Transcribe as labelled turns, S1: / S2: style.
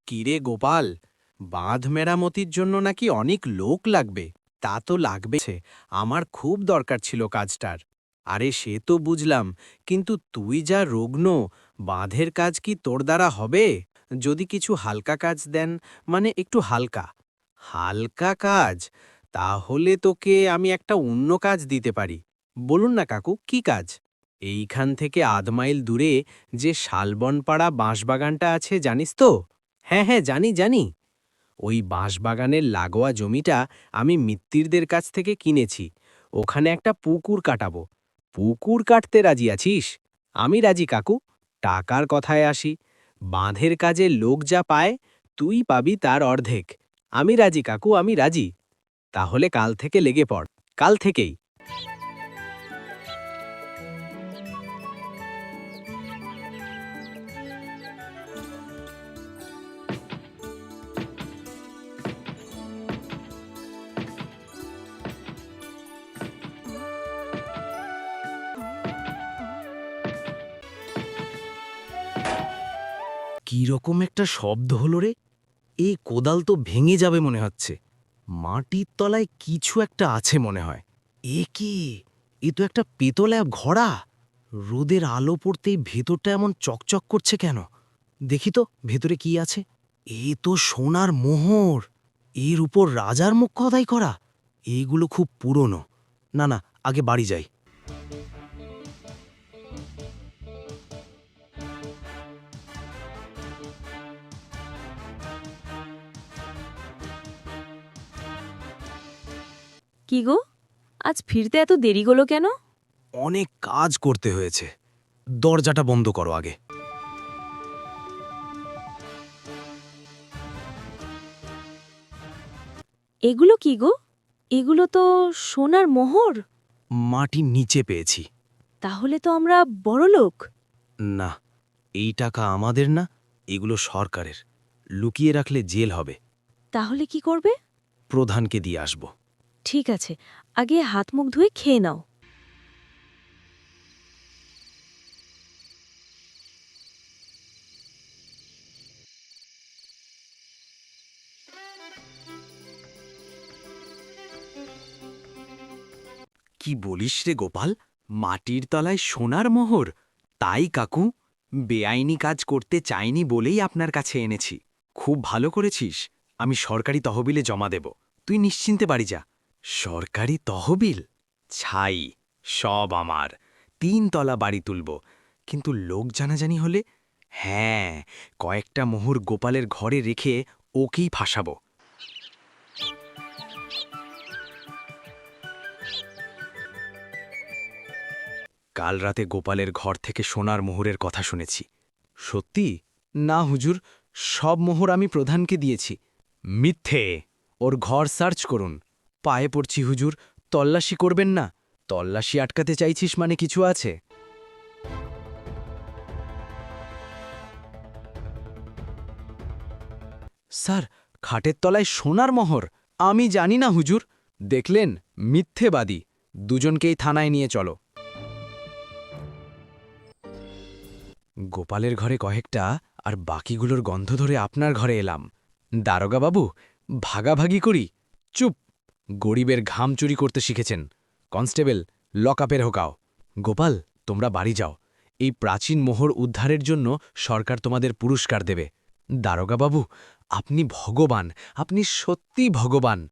S1: কিরে গোপাল, বাঁধ মেরামতির জন্য নাকি অনেক লোক লাগবে। তা তো লাগবে, আমার খুব দরকার ছিল কাজটার। আরে সে তো বুঝলাম, কিন্তু তুই যা রুগ্ন, বাঁধের কাজ কি তোর দ্বারা হবে? যদি কিছু হালকা কাজ দেন, মানে একটু হালকা হালকা কাজ, তাহলে তোকে আমি একটা অন্য কাজ দিতে পারি। বলুন না কাকু, কি কাজ? এইখান থেকে আধ মাইল দূরে যে শালবনপাড়া বাঁশবাগানটা আছে জানিস তো? হ্যাঁ হ্যাঁ, জানি জানি। ওই বাঁশবাগানের লাগোয়া জমিটা আমি মিত্তিরদের কাছ থেকে কিনেছি। ওখানে একটা পুকুর কাটাবো। পুকুর কাটতে রাজি আছিস? আমি রাজি কাকু। টাকার কথায় আসি, বাঁধের কাজে লোক যা পায়, তুই পাবি তার অর্ধেক। আমি রাজি কাকু, আমি রাজি। তাহলে কাল থেকে লেগে পড়, কাল থেকেই।
S2: কিরকম একটা শব্দ হলো রে? এই কোদাল তো ভেঙে যাবে মনে হচ্ছে। মাটির তলায় কিছু একটা আছে মনে হয়। এ কি? এ তো একটা পেতলা ঘড়া। রোদের আলো পড়তেই ভেতরটা এমন চকচক করছে কেন? দেখি তো ভেতরে কি আছে। এ তো সোনার মোহর। এর উপর রাজার মুখ খোদাই করা। এইগুলো খুব পুরনো। না না, আগে বাড়ি যাই।
S3: কি গো, আজ ফিরতে এত দেরি হলো কেন?
S2: অনেক কাজ করতে হয়েছে। দরজাটা বন্ধ করো আগে।
S3: এগুলো কি গো? এগুলো তো সোনার মোহর।
S2: মাটির নিচে পেয়েছি।
S3: তাহলে তো আমরা বড়লোক।
S2: না, এই টাকা আমাদের না, এগুলো সরকারের। লুকিয়ে রাখলে জেল হবে।
S3: তাহলে কি করবে?
S2: প্রধানকে দিয়ে আসব।
S3: ঠিক আছে, আগে হাত মুখ ধুয়ে খেয়ে নাও।
S1: কি বলিস রে গোপাল, মাটির তলায় সোনার মোহর? তাই কাকু, বেআইনি কাজ করতে চাইনি বলেই আপনার কাছে এনেছি। খুব ভালো করেছিস। আমি সরকারি তহবিলে জমা দেব, তুই নিশ্চিন্তে বাড়ি যা। সরকারি তহবিল? ছাই, সব আমার। 3 তলা বাড়ি তুলব, কিন্তু লোক জানাজানি হলে? হ্যাঁ, কয়েকটা মোহর গোপালের ঘরে রেখে ওকেই ফাঁসাবো। কাল রাতে গোপালের ঘর থেকে সোনার মোহরের কথা শুনেছি। সত্যি? না হুজুর, সব মোহর আমি প্রধানকে দিয়েছি। মিথ্যে! ওর ঘর সার্চ করুন। পায়ে পড়ছি হুজুর, তল্লাশি করবেন না। তল্লাশি আটকাতে চাইছিস মানে কিছু আছে। স্যার, খাটের তলায় সোনার মোহর? আমি জানি না হুজুর। দেখলেন, মিথ্যেবাদী। দুজনকেই থানায় নিয়ে চলো। গোপালের ঘরে কয়েকটা, আর বাকিগুলোর গন্ধ ধরে আপনার ঘরে এলাম। দারোগা বাবু, ভাগাভাগি করি। চুপ! গরিবের ঘাম চুরি করতে শিখেছেন। কনস্টেবল, লকআপের হোকাও। গোপাল, তোমরা বাড়ি যাও। এই প্রাচীন মোহর উদ্ধারের জন্য সরকার তোমাদের পুরস্কার দেবে। দারোগা বাবু, আপনি ভগবান, আপনি সত্যি ভগবান।